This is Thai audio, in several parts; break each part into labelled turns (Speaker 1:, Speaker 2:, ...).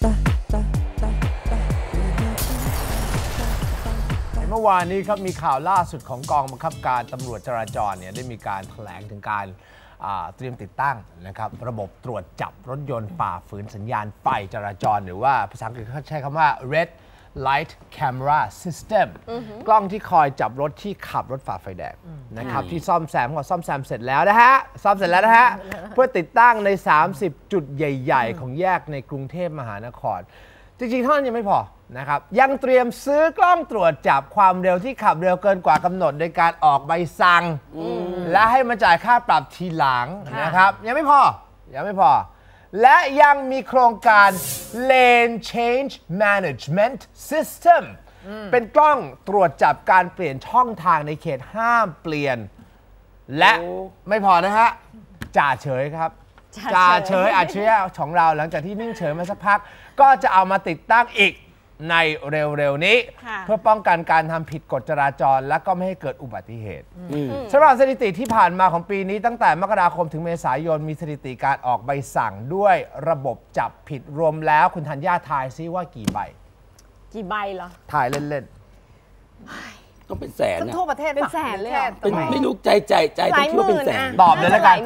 Speaker 1: เมื่อวานนี้ครับมีข่าวล่าสุดของกองบังคับการตำรวจจราจรเนี่ยได้มีการแถลงถึงการเตรียมติดตั้งนะครับระบบตรวจจับรถยนต์ฝ่าฝืนสัญญาณไฟจราจรหรือว่าภาษาอังกฤษเขาใช้คำว่า red light camera system กล้องที่คอยจับรถที่ขับรถฝ่าไฟแดงนะครับที่ซ่อมแซมก็ซ่อมแซมเสร็จแล้วนะฮะซ่อมเสร็จแล้วนะฮะเพื่อติดตั้งใน30จุดใหญ่ๆของแยกในกรุงเทพมหานครจริงๆเท่านั้นยังไม่พอนะครับยังเตรียมซื้อกล้องตรวจจับความเร็วที่ขับเร็วเกินกว่ากำหนดโดยการออกใบสั่งและให้มาจ่ายค่าปรับทีหลังนะครับยังไม่พอและยังมีโครงการ Lane Change Management System เป็นกล้องตรวจจับการเปลี่ยนช่องทางในเขตห้ามเปลี่ยนและไม่พอนะฮะจ่าเฉยครับจ่าเฉยอัจฉริยะของเราหลังจากที่นิ่งเฉยมาสักพักก็จะเอามาติดตั้งอีกในเร็วๆนี้เพื่อป้องกันการทำผิดกฎจราจรและก็ไม่ให้เกิดอุบัติเหตุสำหรับสถิติที่ผ่านมาของปีนี้ตั้งแต่มกราคมถึงเมษายนมีสถิติการออกใบสั่งด้วยระบบจับผิดรวมแล้วคุณธัญญาทายซิว่ากี่ใบ
Speaker 2: เหรอ
Speaker 1: ทายเล่น
Speaker 3: ๆต้องเป็นแสน
Speaker 2: ทั่วประเทศ
Speaker 4: เป็นแสนเลย
Speaker 3: เป็นไม่รู้ใจต้องคิดว่าเป็นแสน
Speaker 1: ตอบเลยแล้วกัน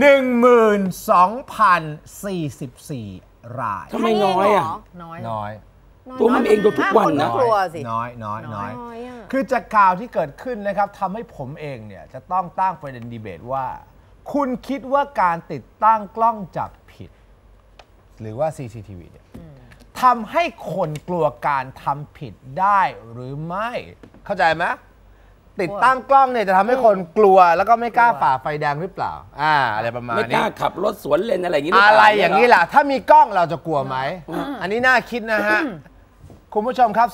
Speaker 1: 12,044 ราย
Speaker 3: ทำไมน้อยอ่ะ
Speaker 1: น้อย
Speaker 3: ตัวมันเองโดนทุกวันนะ
Speaker 1: น้อยคือจากข่าวที่เกิดขึ้นนะครับทำให้ผมเองเนี่ยจะต้องตั้งประเด็นดีเบตว่าคุณคิดว่าการติดตั้งกล้องจับผิดหรือว่า CCTV เนี่ยทำให้คนกลัวการทำผิดได้หรือไม่เข้าใจไหมติดตั้งกล้องเนี่ยจะทำให้คนกลัวแล้วก็ไม่กล้าฝ่าไฟแดงหรือเปล่าอะไรประมาณนี้
Speaker 3: ไม่กล้าขับรถสวนเลนอะไรอย่างนี้
Speaker 1: อะไรอย่างนี้แหละถ้ามีกล้องเราจะกลัวไหมอันนี้น่าคิดนะฮะคุณผู้ชมครับ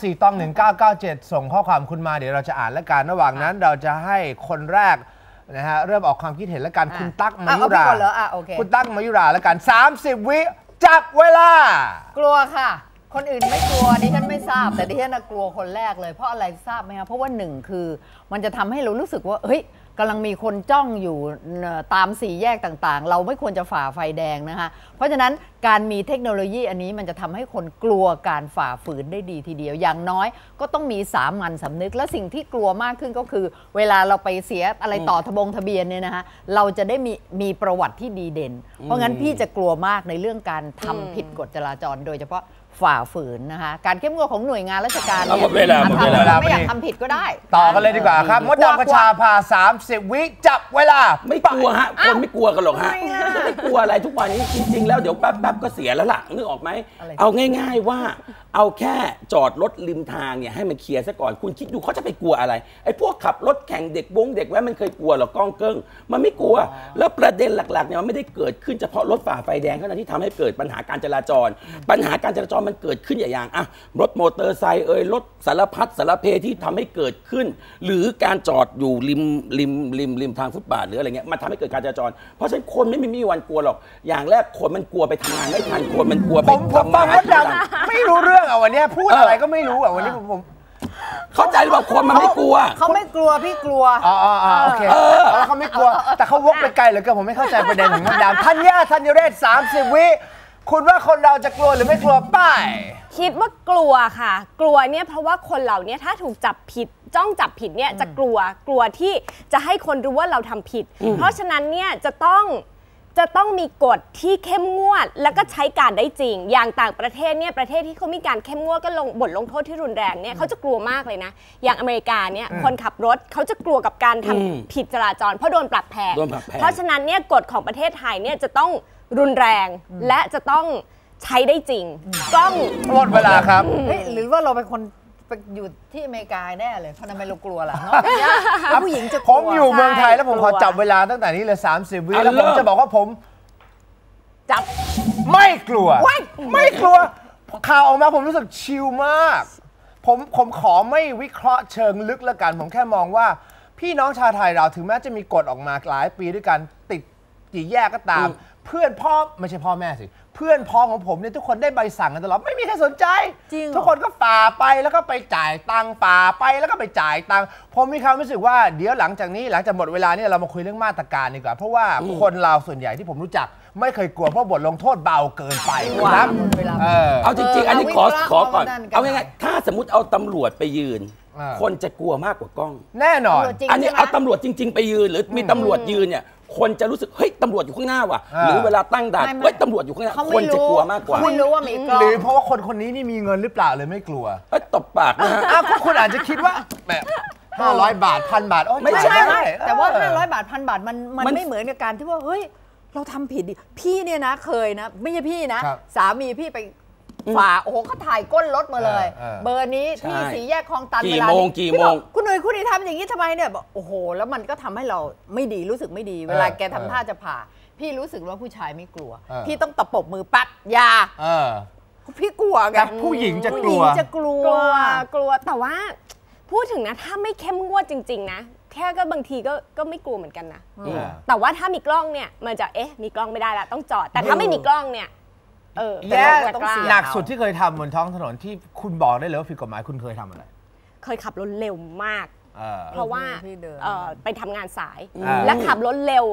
Speaker 1: 41997ส่งข้อความคุณมาเดี๋ยวเราจะอ่านและกันระหว่างนั้นเราจะให้คนแรกนะฮะเริ่มออกความคิดเห็นและกันคุณตั๊กมายุราคุณตั๊กมายุราและกัน30 วิจับเวลาก
Speaker 2: ลัวค่ะคนอื่นไม่กลัวดิฉันไม่ทราบแต่ดิฉันกลัวคนแรกเลยเพราะอะไรทราบไหมคะเพราะว่าหนึ่งคือมันจะทำให้เรารู้สึกว่าเฮ้ยกำลังมีคนจ้องอยู่ตามสี่แยกต่างๆเราไม่ควรจะฝ่าไฟแดงนะคะเพราะฉะนั้นการมีเทคโนโลยีอันนี้มันจะทำให้คนกลัวการฝ่าฝืนได้ดีทีเดียวอย่างน้อยก็ต้องมีสามัญสำนึกและสิ่งที่กลัวมากขึ้นก็คือเวลาเราไปเสียอะไรต่อทะเบียนเนี่ยนะคะเราจะได้มีประวัติที่ดีเด่นเพราะงั้นพี่จะกลัวมากในเรื่องการทำผิดกฎจราจรโดยเฉพาะฝ่าฝืนนะคะการเข้มงวดของหน่วยงานราชการเนี่ย
Speaker 3: ไม่
Speaker 2: อยากทำผิดก็ได้
Speaker 1: ต่อกันเลยดีกว่าครับมดดำกระชาพา30 วิจับเวลา
Speaker 3: ไม่กลัวฮะคนไม่กลัวกันหรอกฮะไม่กลัวอะไรทุกวันนี้จริงๆแล้วเดี๋ยวแป๊บๆก็เสียแล้วล่ะนึกออกไหมเอาง่ายๆว่าเอาแค่จอดรถริมทางเนี่ยให้มันเคลียร์ซะก่อนคุณคิดดูเขาจะไปกลัวอะไรไอ้พวกขับรถแข่งเด็กแว้นมันเคยกลัวหรอกก้องเกิ้งมันไม่กลัวแล้วประเด็นหลักๆเนี่ยมันไม่ได้เกิดขึ้นเฉพาะรถฝ่าไฟแดงเท่านั้นที่ทำให้เกิดปัญหาการจราจรมันเกิดขึ้นอย่างรถมอเตอร์ไซค์รถสารพัดสารเพที่ทำให้เกิดขึ้นหรือการจอดอยู่ริมทางฟุตบาทหรืออะไรเงี้ยมันทำให้เกิดการจราจรเพราะฉะนั้นคนไม่มีวันกลัวหรอกอย่างแรกคนมันกลัวไปทำงานไม่ทันคนมันกลัวไป
Speaker 1: ผมฟังมดดำไม่รู้เรื่องวันนี้พูดอะไรก็ไม่รู้วันนี้ผม
Speaker 3: เข้าใจหรือเปล่าคนมันไม่กลัว
Speaker 2: เขาไม่กลัวพี่กลัว
Speaker 1: โอเคแล้วเขาไม่กลัวแต่เขาวกไปไกลเหลือเกินผมไม่เข้าใจประเด็นของมดดำธัญเรศ30 วิคุณว่าคนเราจะกลัวหรือไม่กลัวป้าย
Speaker 4: คิดว่ากลัวค่ะกลัวเนี่ยเพราะว่าคนเหล่านี้ถ้าถูกจับผิดจ้องจับผิดเนี่ยจะกลัวที่จะให้คนรู้ว่าเราทำผิดเพราะฉะนั้นเนี่ยจะต้องมีกฎที่เข้มงวดแล้วก็ใช้การได้จริงอย่างต่างประเทศเนี่ยประเทศที่เขามีการเข้มงวดก็บทลงโทษที่รุนแรงเนี่ยเขาจะกลัวมากเลยนะอย่างอเมริกาเนี่ยคนขับรถเขาจะกลัวกับการทำผิดจราจรเพราะโดนปรับแพงเพราะฉะนั้นเนี่ยกฎของประเทศไทยเนี่ยจะต้องรุนแรงและจะต้องใช้ได้จริงกล้อง
Speaker 1: หมดเวลาครับ
Speaker 2: หรือว่าเราเป็นคนอยู่ที่อเมริกาแน่เลยเพราะทำไมเรากลัวล่ะผู้หญิงจะ
Speaker 1: ผมอยู่เมืองไทยแล้วผมขอจับเวลาตั้งแต่นี้เลย30 วิแล้วผมจะบอกว่าผม
Speaker 2: จับ
Speaker 1: ไม่กลัวข่าวออกมาผมรู้สึกชิลมากผมขอไม่วิเคราะห์เชิงลึกละกันผมแค่มองว่าพี่น้องชาวไทยเราถึงแม้จะมีกฎออกมาหลายปีด้วยกันติดกี่แยกก็ตามเพื่อนพ่อไม่ใช่พ่อแม่สิเพื่อนพ้องของผมเนี่ยทุกคนได้ใบสั่งกันตลอดไม่มีใครสนใจทุกคนก็ฝ่าไปแล้วก็ไปจ่ายตังค์ฝ่าไปแล้วก็ไปจ่ายตังค์ผมมีความรู้สึกว่าเดี๋ยวหลังจากหมดเวลาเนี่ยเรามาคุยเรื่องมาตรการดีกว่าเพราะว่าคนเราส่วนใหญ่ที่ผมรู้จักไม่เคยกลัวเพราะบทลงโทษเบาเกินไปครับ
Speaker 2: เวลา
Speaker 3: เอาจริงๆ อันนี้ขอก่อน
Speaker 2: นั่นกัน
Speaker 3: เอาง่ายๆถ้าสมมติเอาตำรวจไปยืน
Speaker 1: อ่า
Speaker 3: คนจะกลัวมากกว่ากล้อง
Speaker 1: แน่นอน
Speaker 2: จริง
Speaker 3: อันนี้
Speaker 2: ใช่ไหม
Speaker 3: เอาตำรวจจริง ๆ ไปยืน หรือมีตำรวจยืนเนี่ยคนจะรู้สึกเฮ้ยตำรวจอยู่ข้างหน้าว่ะ
Speaker 1: อ่า
Speaker 3: หรือเวลาตั้งด่าน
Speaker 2: ไม่
Speaker 3: เฮ้ยตำรวจอยู่ข้างหน้า
Speaker 2: เขา
Speaker 3: ค
Speaker 2: ไม่
Speaker 3: น
Speaker 2: รู้
Speaker 3: จะกลัวมากกว่า
Speaker 2: เขาไม่รู้ว่ามีกล้อง
Speaker 1: หรือเพราะว่าคนนี้นี่มีเงินหรือเปล่าเลยไม่กลัว
Speaker 3: เอ้ยตบปากนะฮะ
Speaker 1: อ้าวก็คุณอาจจะคิดว่าแบบ500 บาท1,000 บาทโอ้ย
Speaker 3: ไม่ใช่
Speaker 1: จ่าย
Speaker 2: ไม่
Speaker 1: ด้
Speaker 2: แต่ว่า
Speaker 1: เออ
Speaker 2: 500 บาท1,000 บาทมันไม่เหมือนกับการที่ว่าเฮ้ยเราทำผิดดิพี่เนี่ยนะเคยนะไม่ใช่พี่นะ
Speaker 1: ครับ
Speaker 2: สามีพี่ไปฝ่าโอ้โหเขาถ่ายก้นรถมาเลย
Speaker 1: เออ
Speaker 2: เบอร์นี้
Speaker 3: ใช่
Speaker 2: ที่สีแยกคลองตัน
Speaker 3: กี่
Speaker 2: เวลา
Speaker 3: โมง
Speaker 2: นี้
Speaker 3: กี่
Speaker 2: พี่
Speaker 3: โม
Speaker 2: บอก
Speaker 3: ง
Speaker 2: คุณหนุ่ยคุณนี่ทำอย่างนี้ทำไมเนี่ยบอกโอ้โห แล้วมันก็ทำให้เราไม่ดีรู้สึกไม่ดี เวลาแกทำท่าจะผ่า พี่รู้สึกว่าผู้ชายไม่กลัว พี่ต้องตะปบมือปั๊บอยา
Speaker 1: เออ
Speaker 2: พี่กลัวไง
Speaker 1: แต่ผู้หญิงจะกลัว
Speaker 2: ผู้หญิงจะกลัว
Speaker 4: กลัวแต่ว่าพูดถึงนะถ้าไม่เข้มงวดจริงๆนะแค่ก็บางทีก็ไม่กลัวเหมือนกันนะ แต่ว่าถ้ามีกล้องเนี่ยมันจะมีกล้องไม่ได้ละต้องจอด แต่ถ้าไม่มีกล้องเนี่ย
Speaker 1: แย่
Speaker 2: แต่เราต้องเสี่ยง
Speaker 1: หนักสุดที่เคยทำบนท้องถนนที่คุณบอกได้เลยว่าผิดกฎหมายคุณเคยทำอะไร
Speaker 4: เคยขับรถเร็วมาก
Speaker 1: เออ
Speaker 4: เพราะว่า
Speaker 2: พี่เดิน
Speaker 4: ไปทำงานสาย
Speaker 1: อ่า
Speaker 4: และขับรถเร็ว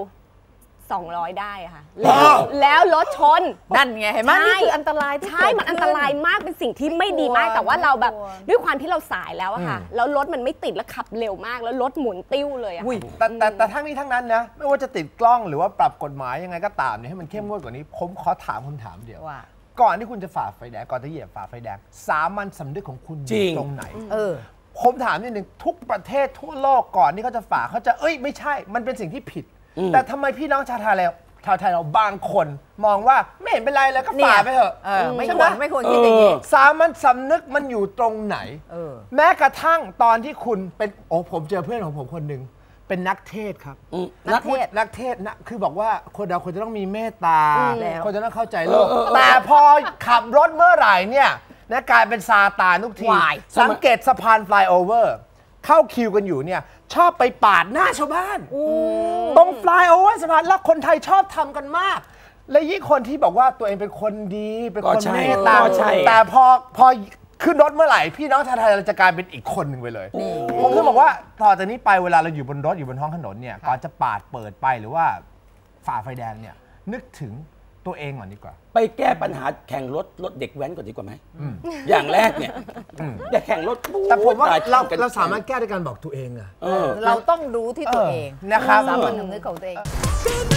Speaker 4: 200 ได้อะค่ะ
Speaker 1: อ๋อ
Speaker 4: แล้วรถชน
Speaker 2: นั่นไงเห็นไหม
Speaker 4: ใช่
Speaker 2: นี่คืออันตรายที่
Speaker 4: ใช่
Speaker 2: เกิด
Speaker 4: มันอันตราย
Speaker 2: ขึ้
Speaker 4: มากเป็นสิ่งที่ไม่ดีมาก
Speaker 2: ไม่ควร
Speaker 4: แต่ว่าเราแบบ
Speaker 2: ไม่ควร
Speaker 4: ด้วยความที่เราสายแล้วอะค่ะ แล้วรถมันไม่ติดแล้วขับเร็วมากแล้วรถหมุนติ้วเลยอะ
Speaker 2: อุ้ย
Speaker 1: แต่ทั้งนี้ทั้งนั้นนะไม่ว่าจะติดกล้องหรือว่าปรับกฎหมายยังไงก็ตามเนี่ยให้มันเข้มงวดกว่านี้ ผมขอถามคำถามเดียว
Speaker 2: ว่า
Speaker 1: ก่อนที่คุณจะฝ่าไฟแดงก่อนจะเหยียบฝ่าไฟแดงสามัญสำนึกของคุณอ
Speaker 3: จริ
Speaker 1: ยู่
Speaker 3: ง
Speaker 1: ตรงไหน ผมถามนิดนึงทุกประเทศทั่วโลกก่อนที่เขาจะฝ่าเขาจะไม่ใช่ มันเป็นสิ่งที่ผิด แต่ทำไมพี่น้องชาวไทยเราบางคนมองว่าไม่เห็นเป็นไรแล้วก็ฝ่าไปเถอะ
Speaker 2: ไม่
Speaker 1: ใช่
Speaker 2: ค
Speaker 1: ไห
Speaker 2: วรไม่ควรคิดอย่างนี้
Speaker 1: สามัญสำนึกมันอยู่ตรงไหน แม้กระทั่งตอนที่คุณเป็นผมเจอเพื่อนของผมคนหนึ่งเป็นนักเทศครับ นักเทศนะคือบอกว่าคนเราควรจะต้องมีเมตตา
Speaker 2: แล้ว
Speaker 1: คนจะต้องเข้าใจโลกแต่พอขับรถเมื่อไหร่เนี่ยนะกลายเป็นซาตานทุกที
Speaker 2: วาย
Speaker 1: สังเกตสะพานฟลายโอเวอร์เข้าคิวกันอยู่เนี่ยชอบไปปาดหน้าชาวบ้านตรงฟลายโอเวอร์สะพานแล้วคนไทยชอบทำกันมาก และยิ่งคนที่บอกว่าตัวเองเป็นคนดีเป็นคนเมตตา
Speaker 3: ก็ใช่
Speaker 1: แต่พอขึ้นรถเมื่อไหร่พี่น้องชาวไทยเราจะกลายเป็นอีกคนหนึ่งไปเลย ผมจะบอกว่าต่อจากนี้ไปเวลาเราอยู่บนรถอยู่บนท้องถนนเนี่ยก่อนจะปาดเปิดไปหรือว่าฝ่าไฟแดงเนี่ยนึกถึงตัวเองก่อนดีกว่า
Speaker 3: ไปแก้ปัญหาแข่งรถเด็กแว้นก่อนดีกว่าไหมอย่างแรกเนี่ยอย่าแข่งรถ
Speaker 1: แต่ผมว่า
Speaker 3: ตย
Speaker 1: เราสามารถแก้ด้วยการบอกตัวเองอะ
Speaker 2: เราต้องรู้ที่ตัวเอง
Speaker 1: นะครับ
Speaker 2: สามัญสำนึกของตัวเอง
Speaker 5: Good